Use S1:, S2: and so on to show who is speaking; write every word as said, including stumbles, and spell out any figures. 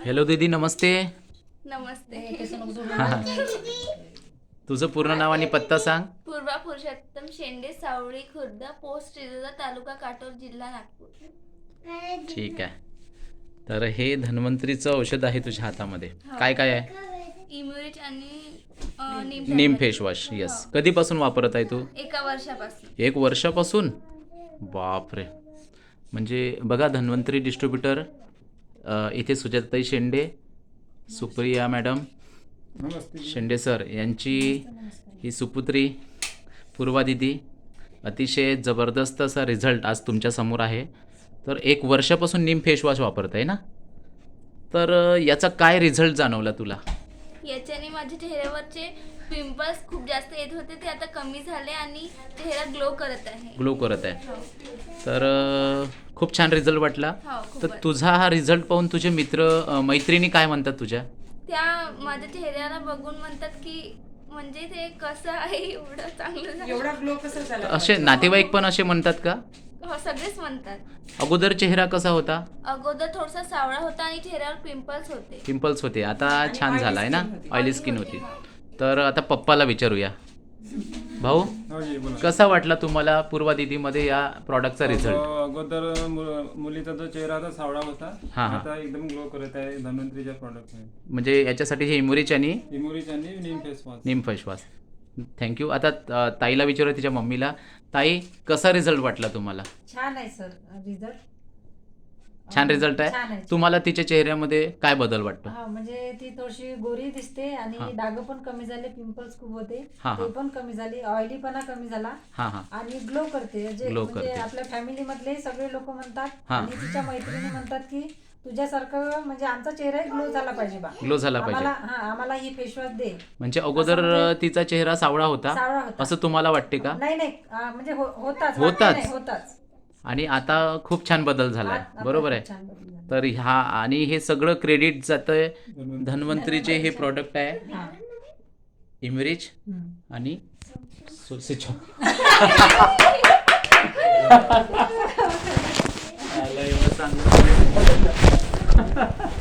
S1: Hello दीदी, नमस्ते.
S2: नमस्ते.
S1: तुझं पूर्ण नाव आणि पत्ता सांग.
S2: पूर्वा पुरुषोत्तम शेंडे, सावळी खुर्द, पोस्ट रिजोदा, तालुका काटोल, जिल्हा नागपूर.
S1: ठीक आहे. तर हे धन्वंतरीचं औषध आहे तुझ्या हातामध्ये.
S2: हो.
S1: काय काय आहे?
S2: इम्युरिच आणि अ, neem
S1: neem
S2: tablet.
S1: Face wash. Yes.
S2: हो.
S1: कधीपासून वापरत आहे तू?
S2: एका वर्षापासून.
S1: एक वर्षापासून. बापरे. म्हणजे बघा, धन्वंतरी डिस्ट्रीब्युटर इथे सुजाताई शेंडे, सुप्रिया मॅडम, शेंडे सर यांची ही सुपुत्री पूर्वा दिदी. अतिशय जबरदस्त असा रिझल्ट आज तुमच्यासमोर आहे. तर एक वर्षापासून नीम फेस वॉश वापरत आहे ना. तर अ, याचा काय रिझल्ट जाणवला तुला?
S2: याच्याने माझ्या चेहऱ्यावरचे पिंपल्स खूप जास्त येत होते, ते आता कमी झाले आणि चेहरा ग्लो करत आहे.
S1: ग्लो करत आहे.
S2: हो.
S1: तर अ, खूप छान रिझल्ट वाटला.
S2: हो, खूपच.
S1: तर तुझा हा रिझल्ट पाहून तुझे मित्र अ, मैत्रिणी काय म्हणतात तुझ्या?
S2: त्या माझ्या चेहऱ्याला बघून म्हणतात की म्हणजे ते कसं आहे, एवढं चांगलं झालं.
S3: एवढा ग्लो कसा झाला?
S1: असे नातेवाईक पण असे म्हणतात का?
S2: हो, सगळेच म्हणतात.
S1: अगोदर चेहरा कसा होता?
S2: अगोदर थोडासा सावळा होता आणि चेहऱ्यावर पिंपल्स होते.
S1: पिंपल्स होते. आता
S3: आणि
S1: छान
S3: oily
S1: झाला आहे ना.
S3: skin होती.
S1: ऑइली
S2: Oily
S1: स्किन
S2: होती,
S1: होती. तर आता पप्पाला विचारूया. भाऊ,
S4: हो जी, बोला.
S1: कसा वाटला तुम्हाला पूर्वा दीदीमध्ये या प्रॉडक्टचा रिझल्ट?
S4: अ, अगोदर मु- मुलीचा जो चेहरा होता सावळा होता,
S1: हा, हा.
S4: आता एकदम ग्लो करत आहे धन्वंतरीच्या प्रॉडक्ट मध्ये.
S1: म्हणजे याच्यासाठी हे इमुरिच आणि
S4: इमोरिच आणि neem face wash.
S1: Neem face wash. Thank you. आता अ, ताईला विचारूया, तिच्या मम्मीला. ताई, कसा रिझल्ट वाटला तुम्हाला?
S3: छान आहे सर रिझल्ट.
S1: छान रिझल्ट
S3: छान
S1: आहे.
S3: आहे.
S1: तुम्हाला तिच्या चेहऱ्यामध्ये काय बदल वाटतो?
S3: हा, म्हणजे ती थोडीशी गोरी दिसते
S1: हा.
S3: आणि डाग पण कमी झाले, पिंपल्स खूप होते
S1: हा, हा.
S3: ते पण कमी झाले, ऑइलीपणा कमी झाला
S1: हां हां.
S3: आणि ग्लो करते. जे
S1: Glow
S3: म्हणजे
S1: करते.
S3: आपल्या फॅमिली मधले सगळे लोक म्हणतात
S1: हा.
S3: आणि तिच्या मैत्रिणी म्हणतात की तुझ्यासारखं म्हणजे आमचा चेहरा ग्लो झाला पाहिजे बा.
S1: ग्लो झाला पाहिजे.
S3: आम्हाला हा आम्हाला ही फेस वॉश दे.
S1: म्हणजे अगोदर
S3: असं म्हणजे-
S1: तिचा चेहरा सावळा होता
S3: सावळा होता.
S1: असं तुम्हाला वाटते का?
S3: नाही नाही आ, म्हणजे हो- होताच
S1: होताच.
S3: वाटलं नाही, होताच.
S1: आणि आता खूप छान बदल झालाय.
S3: आता
S1: बरोबर
S3: खूप
S1: आहे.
S3: छान बदल झाला.
S1: तर ह्या आणि हे सगळं क्रेडिट जातंय धन्वंतरीचे हे प्रॉडक्ट आहे,
S3: हा.
S1: इमरिच
S3: हम्म.
S1: आणि सुसिचो. एवढं चांगलं